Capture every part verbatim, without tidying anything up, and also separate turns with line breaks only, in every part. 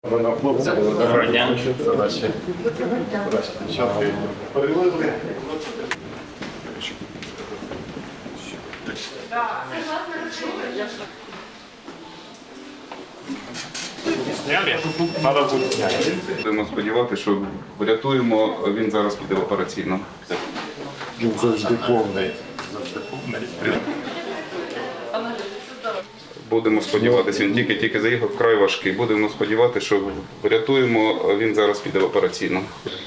Доброго дня.
Задачі. Чотки. Перевели.
Будемо сподіватися, що врятуємо, він зараз піде в операційну.
Він завжди повний. Завжди повний.
Будемо сподіватися, він тільки-тільки заїхав, вкрай важкий. Будемо сподіватися, що врятуємо, він зараз піде в операційну.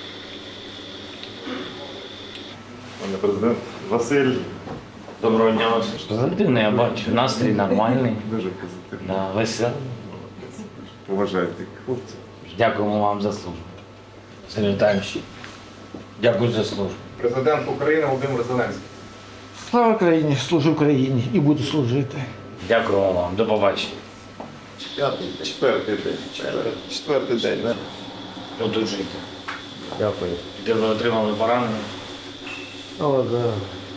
Пане президент Василь.
Доброго дня вас. Позитивно, я бачу. Настрій нормальний.
Дуже позитивно.
Да, веселий.
Поважайте хлопців.
Дякуємо вам за службу. Сергій Віталійович, дякую за службу.
Президент України Володимир Зеленський.
Слава Україні, служу Україні і буду служити.
Дякуємо вам. До побачення.
П'ятий, четвертий день. Четвертий, четвертий день. да?
Одужуйте. Дякую. Де ви отримали поранення?
О, да.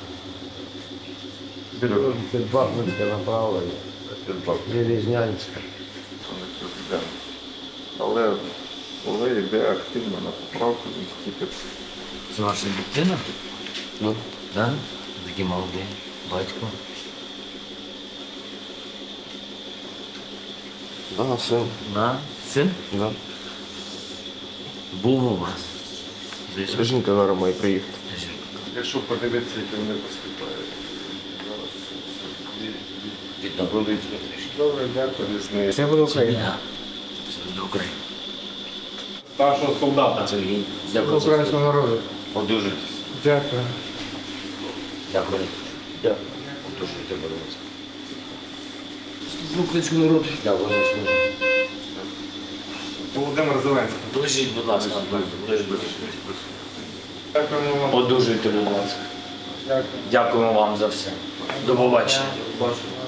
Під Бахмутське направлення, Железнянське.
Пане президент. Але коли йде активно на поправку, він тільки
Це ваша дитина? Ну. Да? Такі молоді. Батько.
Да, син.
Да? Син?
Да.
Був у вас. Де ж?
Жінка зараз має приїхати.
якщо подивитися, як вони поступають. Зараз
Відновили трішки.
добре, дякую. Різний.
Це буде Україна.
Я. Це до України.
Старшого солдата.
Сергій, дякую за
Українського
службу.
народу.
Одужуйтесь.
Дякую.
Дякую. Дякую. Одужуйте, будь ласка.
Служу українському народу.
Дякую за службу.
Володимир Зеленський.
Ближіть, будь ласка. Ближіть.
Дякуємо вам.
Одужуйте, будь ласка.
Дякую.
Дякуємо вам за все. До побачення.
Бачу.